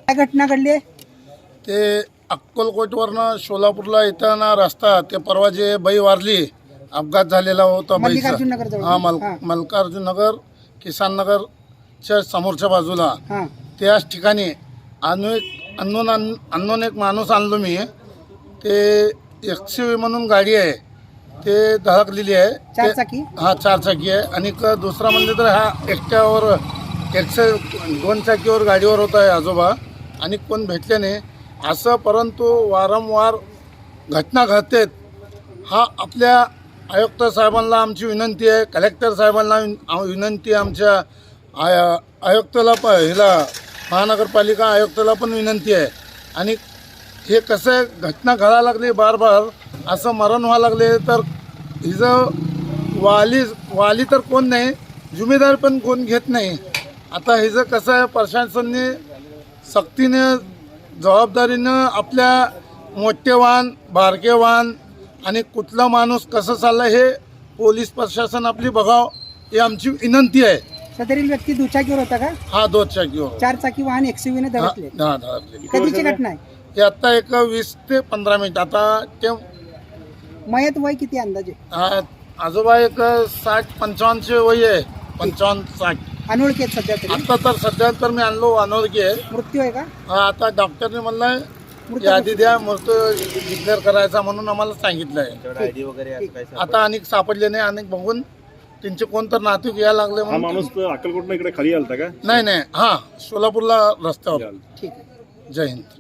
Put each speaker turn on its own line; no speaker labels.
काय घटना घडली?
ते अक्कलकोटवरनं सोलापूरला येताना रस्ता ते परवा जे बाई वारली, अपघात झालेला होता
मल्लिकार्जुन नगर जवळ.
हा मल्लिकार्जुन नगर किसान नगरच्या समोरच्या बाजूला
हां
त्याच ठिकाणी अननोन एक माणूस आणलो मी. ते XUV म्हणून गाडी आहे, ते धडकलेली आहे.
चार चाकी?
हा 4 चाकी आहे. आणि दुसरा म्हणजे तर हा एकट्यावर 2 चाकीवर गाडीवर होता आहे आजोबा, आणि कोण भेटले नाही असं. परंतु वारंवार घटना घडतात. हा आपल्या आयुक्त साहेबांना आमची विनंती आहे, कलेक्टर साहेबांना विनंती आहे, आमच्या आयुक्ताला हिला महानगरपालिका आयुक्ताला पण विनंती आहे. आणि हे कसं आहे, घटना घडायला लागली बार असं मरण व्हायला लागले तर हिचं वाली तर कोण नाही, जिम्मेदार पण कोण घेत नाही. आता हिचं कसं आहे, प्रशासनाने सक्तीने जबाबदारीनं आपल्या मोठे वाहन बारके वाहन आणि कुठला माणूस कसं चाललं हे पोलीस प्रशासन आपली बघावं ही आमची विनंती आहे.
सदरील व्यक्ती दुचाकीवर होता का?
हा 2 चाकीवर.
4 चाकी वाहन XUV ने धडकले.
हा धडकले.
कधीची घटना आहे?
हे आता एक 20 ते 15 मिनिट. आता ते
मयत वय किती अंदाजे?
आजोबा एक 60-55 वय आहे, 55-60.
अनोळखी आहेत सध्या तरी?
आता तर सध्या तर मी आणलो अनोळखी आहे.
मृत्यू आहे का?
हा आता डॉक्टरने म्हणलंय यादी द्या, मृत्यू डिक्लेअर करायचा म्हणून आम्हाला सांगितलंय. आता अनेक सापडले नाही, अनेक बघून त्यांचे कोणतर नातू यायला लागले
हा माणूस अक्कलकोटनं इकडे खाली आलता का?
नाही हा सोलापूरला रस्त्यावर.
ठीक आहे.
जय हिंद.